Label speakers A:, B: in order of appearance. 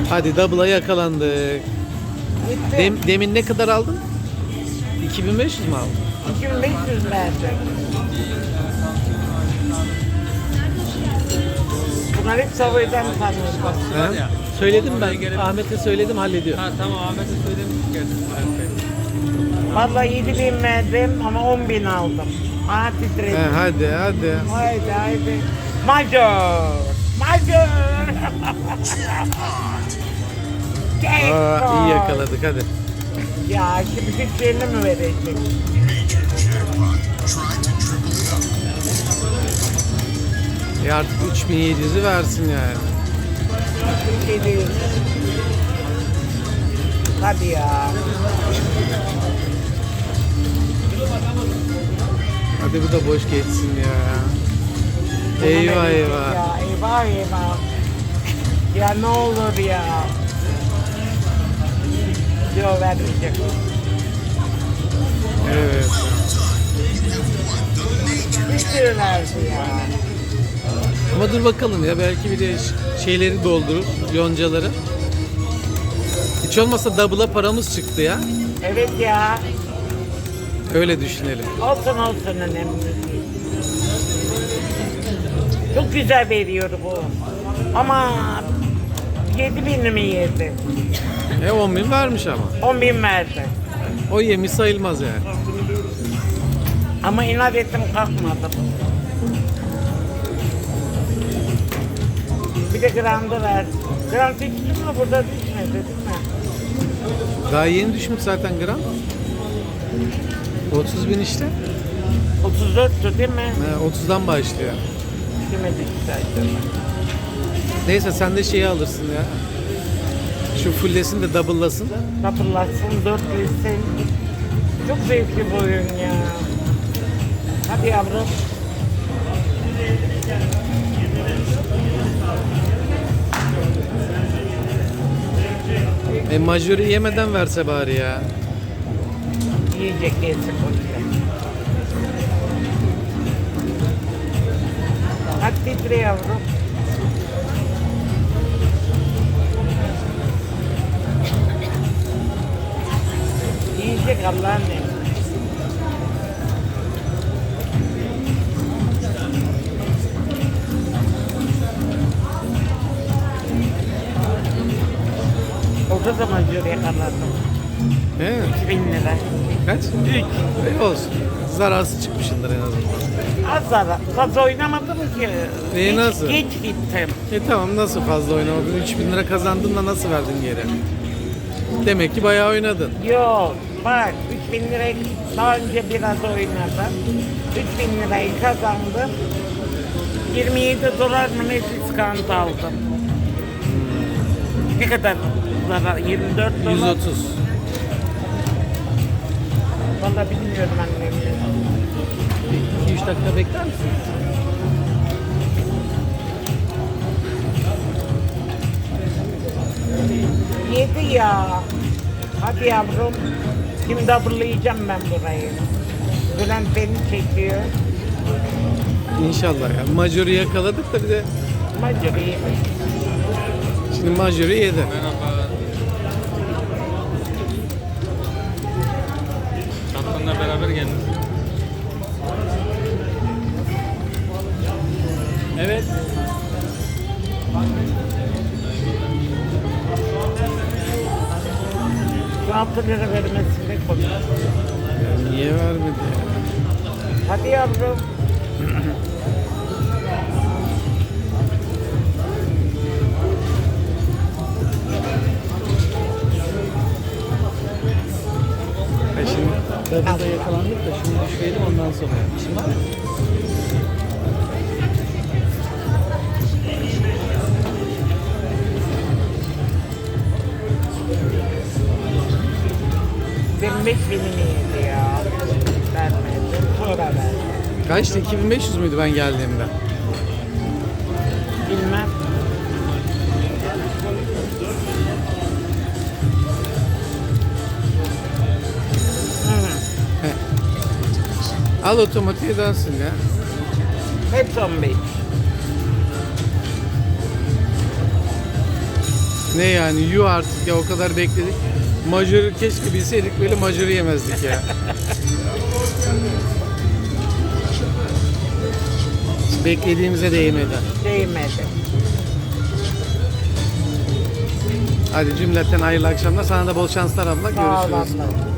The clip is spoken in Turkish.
A: Hadi double'a yakalandık.
B: Gitti.
A: Demin ne kadar aldın? 2500 mü aldın?
B: 2500 verdim. Bunlar hep Savoy'dan tanıyorlar.
A: He? Söyledim ben. Ahmet'e söyledim, hallediyor.
C: Ha tamam, Ahmet'e söylemiş geldim.
B: Vallahi 7000 verdim ama 10.000 aldım. Aha titredim.
A: Hadi hadi.
B: Haydi haydi. Major. Major.
A: Aa, iyi yakaladık hadi.
B: Ya şimdi Türkçe'ni mi verecek?
A: Artık 3700'ü versin yani.
B: Türkiye'deyiz. Hadi ya.
A: Hadi bu da boş geçsin ya. Eyvah eyvah.
B: Ya eyvah eyvah. Ya ne olur ya. Yok vermeyecek.
A: Evet.
B: Bir sürü verdi ya.
A: Ama dur bakalım ya, belki bir de şeyleri doldurur, yoncaları. Hiç olmazsa double'a paramız çıktı ya.
B: Evet ya.
A: Öyle düşünelim.
B: Olsun olsun önemli değil. Çok güzel veriyor bu. Ama 7.000 mi yedi?
A: 10.000 vermiş ama.
B: 10.000 verdi.
A: O yemiş sayılmaz yani.
B: Ama inat ettim kalkmadım. Bir de grandı ver. Grand düştü mü? Burada düşmedi değil mi?
A: Daha yeni düşmüş zaten gram. 30.000 işte.
B: 34'tü değil mi?
A: 30'dan başlıyor.
B: Düşmedik zaten.
A: Neyse sen de şeyi alırsın ya. Şu fulllesin de double'lasın.
B: Kapılasın, dörtlesin. Çok zevkli bu oyun ya. Hadi yavrum.
A: Majörü yemeden verse bari ya.
B: Yiyecek yesin boşver. Hadi titre yavrum. Yiyecek Allah'ın emri. Orada da majör yakaladım.
A: He?
B: 2000 lira.
A: Kaç? 3. Olsun. Zararsız çıkmışındır en azından.
B: Az ara. Fazla oynamadım ki.
A: Nasıl?
B: Geç gittim.
A: Tamam, nasıl fazla oynamadın? 3000 lira kazandın da nasıl verdin geri? Demek ki bayağı oynadın.
B: Yok. Bak 3000 lirayı daha önce biraz oynadım. 3000 lirayı kazandım. 27 dolar mı ne diskant aldım. Ne kadar zarar? 24 dolar.
A: 130.
B: Vallahi bilmiyorum annem.
A: 2-3 dakika bekler misin?
B: Yedi ya. Hadi yavrum. Şimdi double'layacağım ben burayı. Bülent beni çekiyor.
A: İnşallah ya. Majörü yakaladık da bir de
B: Majörü yemiş.
A: şimdi majörü yedi.
C: Merhaba. Tatlınla beraber geldiniz. Evet.
B: 6 lira vermesine konuş.
A: Ya niye vermedi ya?
B: Hadi yavrum.
A: Şimdi double'da yakalandık da şunu düşürelim, ondan sonra. İşin var mı?
B: Benim 5000'imi yedi ya. Vermedi. Sonra verdi.
A: Kaçtı? 2500 müydü ben geldiğimde?
B: Bilmem.
A: Al otomatiğe dönsün ya.
B: Hep 15.
A: Ne yani yuh artık ya, o kadar bekledik. Majörü keşke bilseydik, böyle majörü yemezdik ya. Beklediğimize değmedi.
B: Değmedi.
A: Hadi cümleten hayırlı akşamlar. Sana da bol şanslar abla.
B: Sağ ol
A: Görüşürüz.
B: abla.